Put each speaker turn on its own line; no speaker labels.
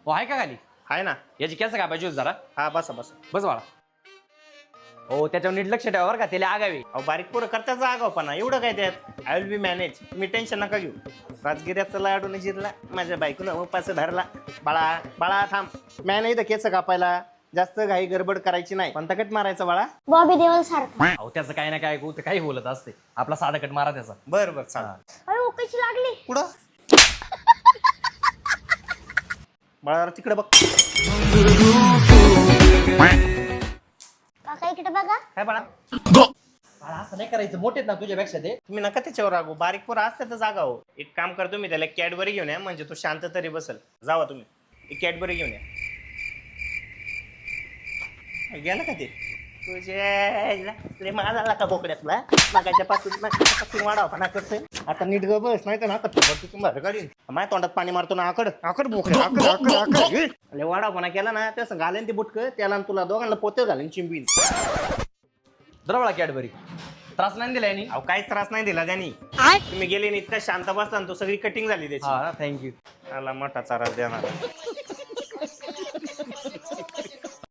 हो आहे का खाली?
आहे ना.
याची केस कापायची होती जरा.
हा बसा बसा.
बस बाळा. हो त्याच्यावर नीट लक्ष ठेवा बरं का, त्याला आगावी.
अहो बारीक पोरं करतात आगावपणा, एवढं काय त्यात. आय विल बी मॅनेज, तुम्ही टेन्शन नका घेऊ. राजगिऱ्याचा लाडून जिरला, माझ्या बायकोनं उपास धरला. बाळा बाळा थांब, मॅ नाही तर केस कापायला. जास्त घाई गडबड करायची नाही. कोणता कट मारायचा बाळा?
बॉबी देओल सारखा.
अहो त्याचं काही ना काय ऐकू ते काही बोलत असते. आपला साधा कट मारा त्याचा.
बरं बरं चाल.
अरे कशी लागली?
पुढं बाळा तिकडे बघ.
काका इकडे बघा.
काय बाळा?
बाळा असं नाही करायचं, मोठेत ना तुझ्यापेक्षा ते.
तुम्ही नका त्याच्यावर रागू. बारीक पोरं असते तर जागा हो. एक काम करतो मी, त्याला कॅडबरी घेऊन या, म्हणजे तो शांत तरी बसल. जावा तुम्ही, एक कॅडबरी घेऊन या. गेला का ते? तुझे माझा आला का बोकड्यातला? मागाच्या पासून वाढावपणा करतोय. आता नीट ग बस, नाही तर ना तुम्हाला गाडी माझ्या तोंडात पाणी मारतो ना. आकड आकड बोकड्या आकड वाढावपणा केला ना, तसं घालेन ते बुटकं त्याला, तुला दोघांना पोते घालेन चिंबीन.
जरा बाळा कॅडबरी. त्रास नाही दिला यांनी?
अहो काहीच त्रास नाही दिला त्यांनी. तुम्ही गेले इतका शांत बसला, तो सगळी कटिंग झाली त्याची.
हा थँक्यू.
आला मोठा त्रास देणार.